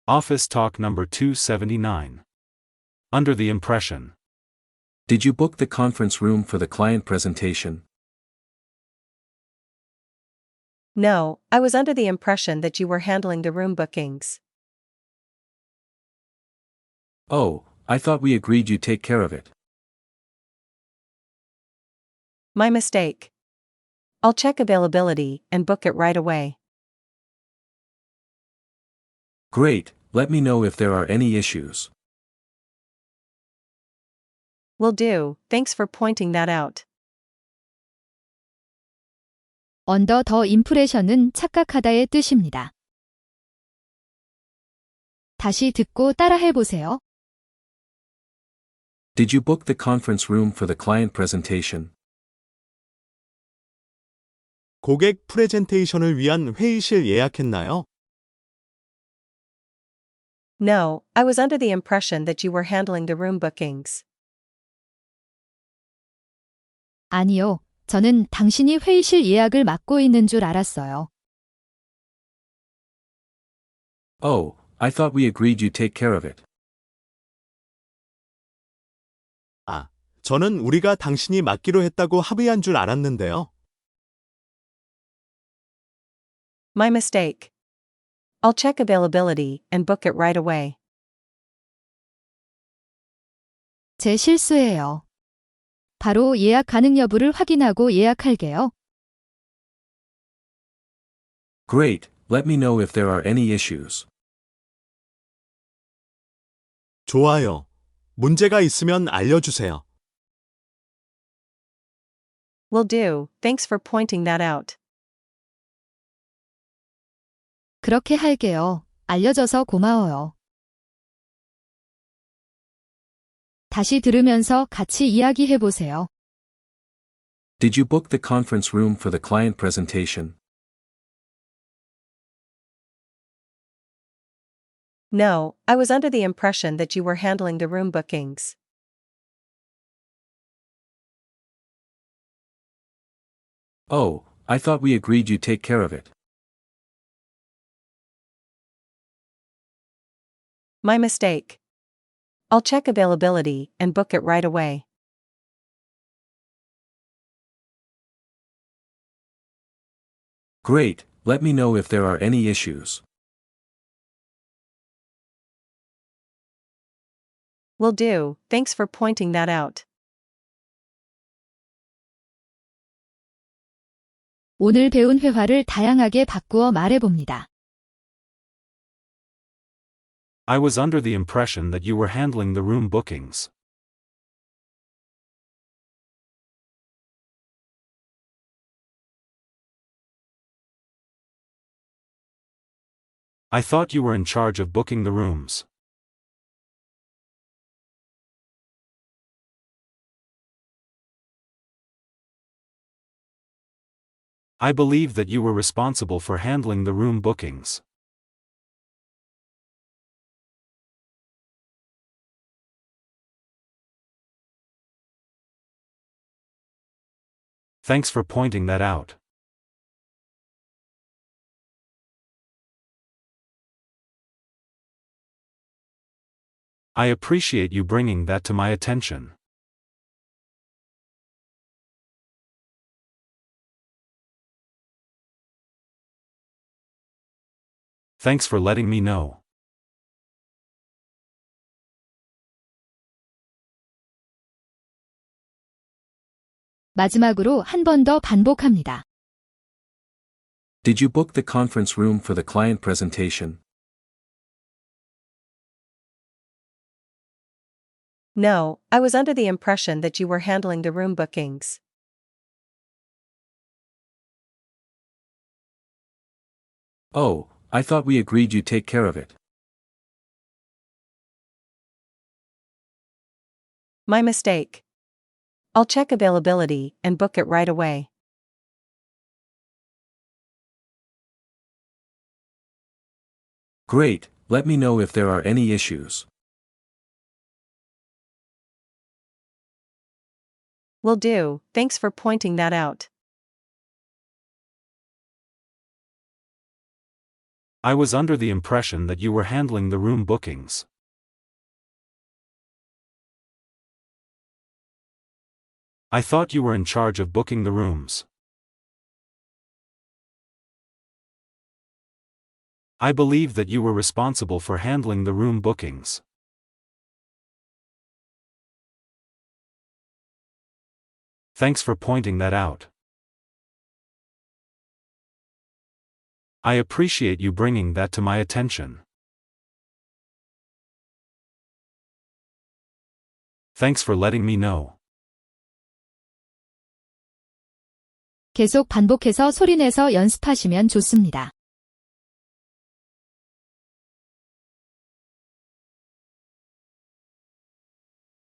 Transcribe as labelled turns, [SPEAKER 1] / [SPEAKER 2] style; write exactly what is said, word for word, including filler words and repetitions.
[SPEAKER 1] Office Talk number two seventy-nine. Under the impression.
[SPEAKER 2] Did you book the conference room for the client presentation?
[SPEAKER 3] No, I was under the impression that you were handling the room bookings.
[SPEAKER 2] Oh, I thought we agreed you'd take care of it.
[SPEAKER 3] My mistake. I'll check availability and book it right away.
[SPEAKER 2] Great, let me know if there are any issues.
[SPEAKER 3] Will do, thanks for pointing that out.
[SPEAKER 4] 언더 더 임프레션은 착각하다의 뜻입니다. 다시 듣고 따라해보세요.
[SPEAKER 2] Did you book the conference room for the client presentation?
[SPEAKER 5] 고객 프레젠테이션을 위한 회의실 예약했나요?
[SPEAKER 3] No, I was under the impression that you were handling the room bookings.
[SPEAKER 4] 아니요, 저는 당신이 회의실 예약을 맡고 있는 줄 알았어요.
[SPEAKER 2] Oh, I thought we agreed you'd take care of it.
[SPEAKER 5] 아, 저는 우리가 당신이 맡기로 했다고 합의한 줄 알았는데요.
[SPEAKER 3] My mistake. I'll check availability and book it right away.
[SPEAKER 4] 제 실수예요. 바로 예약 가능 여부를 확인하고 예약할게요.
[SPEAKER 2] Great, let me know if there are any issues.
[SPEAKER 5] 좋아요. 문제가 있으면 알려주세요.
[SPEAKER 3] Will do, thanks for pointing that out.
[SPEAKER 4] 그렇게 할게요. 알려줘서 고마워요. 다시 들으면서 같이 이야기해보세요.
[SPEAKER 2] Did you book the conference room for the client presentation?
[SPEAKER 3] No, I was under the impression that you were handling the room bookings.
[SPEAKER 2] Oh, I thought we agreed you'd take care of it.
[SPEAKER 3] My mistake. I'll check availability and book it right away.
[SPEAKER 2] Great, let me know if there are any issues.
[SPEAKER 3] Will do, thanks for pointing that out.
[SPEAKER 4] 오늘 배운 회화를 다양하게 바꾸어 말해봅니다.
[SPEAKER 1] I was under the impression that you were handling the room bookings. I thought you were in charge of booking the rooms. I believe that you were responsible for handling the room bookings. Thanks for pointing that out. I appreciate you bringing that to my attention. Thanks for letting me know.
[SPEAKER 4] 마지막으로 한 번 더 반복합니다.
[SPEAKER 2] Did you book the conference room for the client presentation?
[SPEAKER 3] No, I was under the impression that you were handling the room bookings.
[SPEAKER 2] Oh, I thought we agreed you'd take care of it.
[SPEAKER 3] My mistake. I'll check availability and book it right away.
[SPEAKER 2] Great, let me know if there are any issues.
[SPEAKER 3] Will do, thanks for pointing that out.
[SPEAKER 1] I was under the impression that you were handling the room bookings. I thought you were in charge of booking the rooms. I believe that you were responsible for handling the room bookings. Thanks for pointing that out. I appreciate you bringing that to my attention. Thanks for letting me know.
[SPEAKER 4] 계속 반복해서 소리내서 연습하시면 좋습니다.